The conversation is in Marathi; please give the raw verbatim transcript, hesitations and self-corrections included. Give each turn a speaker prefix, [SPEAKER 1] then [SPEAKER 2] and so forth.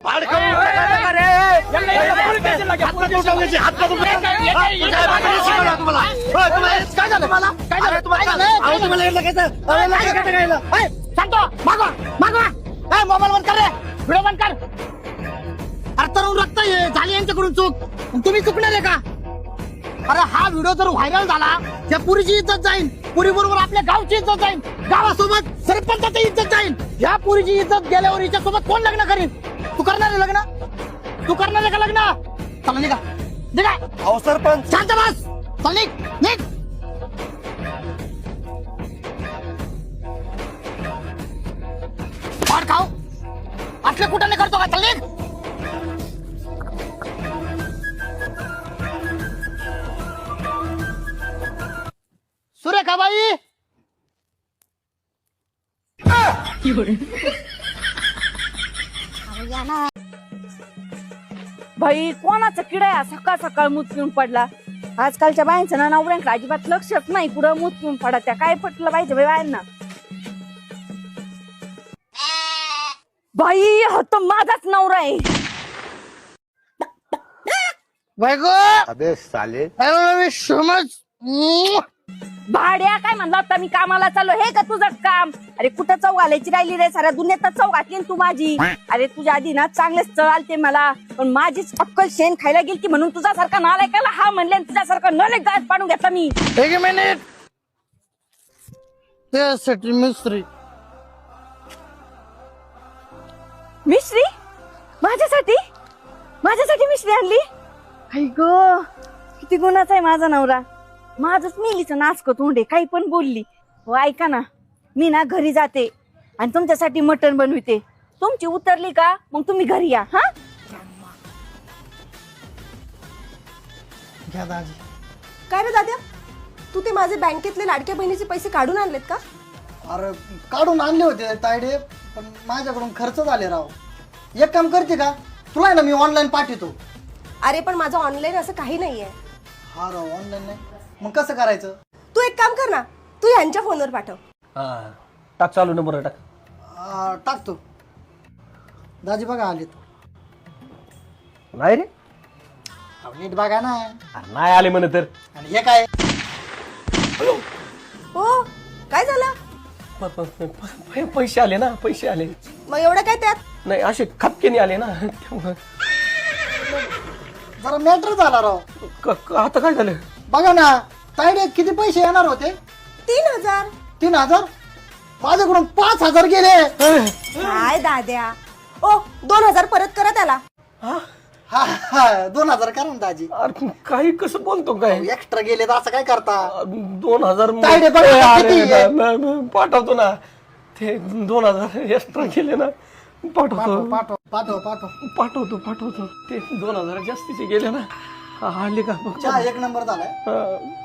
[SPEAKER 1] मोबाईल बंद कर रे, व्हिडिओ बंद कर. अरे तरुण रक्त झाली यांच्याकडून चूक, तुम्ही चुकणार आहे का? अरे हा व्हिडिओ जर व्हायरल झाला त्या पुरीची इज्जत जाईल, पुरी बरोबर आपल्या गावची इज्जत जाईल, गावासोबत सरपंचाची इज्जत जाईल. या पुरीची इज्जत गेल्यावर हिच्या सोबत कोण लग्न करीन? तू करणार आहे लग्न? तू करणार आहे का लग्न? चला निघा निघा.
[SPEAKER 2] अहो सरपंच
[SPEAKER 1] शांत बस. चल निघ निघ. पाड खाऊ असले कुठं नाही करतो का? चल निघ. सुरेखाबाई
[SPEAKER 3] भाई कोणाचा किडा आहे सकाळ सकाळ मूत पिऊन पडला. आजकालच्या बायांचं ना नवऱ्यांकडे अजिबात लक्षच नाही, कुठं मूत पिऊन पडा. त्या काय पटलं पाहिजे बाई बायांना? बाई हा तर माझाच नवरा आहे.
[SPEAKER 1] बायको
[SPEAKER 2] अबे साले
[SPEAKER 1] समज
[SPEAKER 3] भाड्या काय म्हणला होता मी कामाला चाललो, हे का तुझं काम? अरे कुठं चौ घालायची राहिली रे, साऱ्या दुनियेत चौ घातली तू माझी. अरे तुझ्या आधी ना चांगलेच चळ आलते मला, पण माझीच अक्कल शेण खायला गेली म्हणून तुझ्यासारखा नालायकाला हा म्हणले, तुझ्यासारखा नले गाज पाडून घेतला मी.
[SPEAKER 1] एक मिनिट. त्यासाठी मिस्त्री
[SPEAKER 3] मिश्री माझ्यासाठी माझ्यासाठी मिश्री आणली. आई ग किती गुणाचा आहे माझा नवरा. माझंच मिलीचं नाचक तोंडे, काही पण बोलली. हो ऐका ना, मी ना घरी जाते आणि तुमच्यासाठी मटण बनविते. तुमची उतरली का मग तुम्ही घरी या. हा
[SPEAKER 1] घ्या दाजी.
[SPEAKER 4] काय रे दाद्या, तू ते माझे बँकेतले लाडक्या बहिणीचे पैसे काढून आणलेत का?
[SPEAKER 5] अरे काढून आणले होते तायडे, पण माझ्याकडून खर्च झाले राव. एक काम करते का, तुला आहे ना मी ऑनलाईन पाठवतो.
[SPEAKER 4] अरे पण माझं ऑनलाईन असं काही नाहीये.
[SPEAKER 5] हा राव ऑनलाईन नाही, मग कसं करायचं?
[SPEAKER 4] तू एक काम कर ना, तू ह्यांच्या फोनवर पाठव.
[SPEAKER 2] हा टाक चालू नंबर टाक.
[SPEAKER 5] आ, टाकतो. दाजी बघा आलेत.
[SPEAKER 2] नाही रे
[SPEAKER 5] अहो, नीट बघा ना.
[SPEAKER 2] अरे नाही आले म्हणे तर.
[SPEAKER 5] आणि हे काय?
[SPEAKER 4] हो काय झालं?
[SPEAKER 2] प- प- प- प- पैसे आले ना, पैसे आले.
[SPEAKER 4] मग एवढं काय त्यात?
[SPEAKER 2] नाही असे खपकेने आले ना त्यामुळं.
[SPEAKER 5] जरा मॅटर झाला राव.
[SPEAKER 2] क- क- आता काय झालं?
[SPEAKER 5] बघा ना तायडे, किती पैसे येणार होते?
[SPEAKER 4] तीन हजार.
[SPEAKER 5] तीन हजार माझ्याकडून पाच हजार गेले.
[SPEAKER 4] काय दाद्या, ओ दोन हजार परत करा त्याला.
[SPEAKER 2] हा?
[SPEAKER 5] हा हा दोन हजार करा ना दाजी.
[SPEAKER 2] अरे काही कसं बोलतो काय?
[SPEAKER 5] एक्स्ट्रा गेले तर असं काय करता?
[SPEAKER 2] दोन हजार
[SPEAKER 5] तायडे बघा ना,
[SPEAKER 2] अरे,
[SPEAKER 5] किती आहे?
[SPEAKER 2] न- न- पाठवतो ना. ते दोन हजार एक्स्ट्रा गेले ना, पाठवतो
[SPEAKER 5] पाठव पाठव पाठव पाठव.
[SPEAKER 2] पाठवतो पाठवतो. ते दोन हजार जास्तीचे गेले ना. हा, आले का?
[SPEAKER 5] चहा एक नंबर झालाय.
[SPEAKER 2] हा.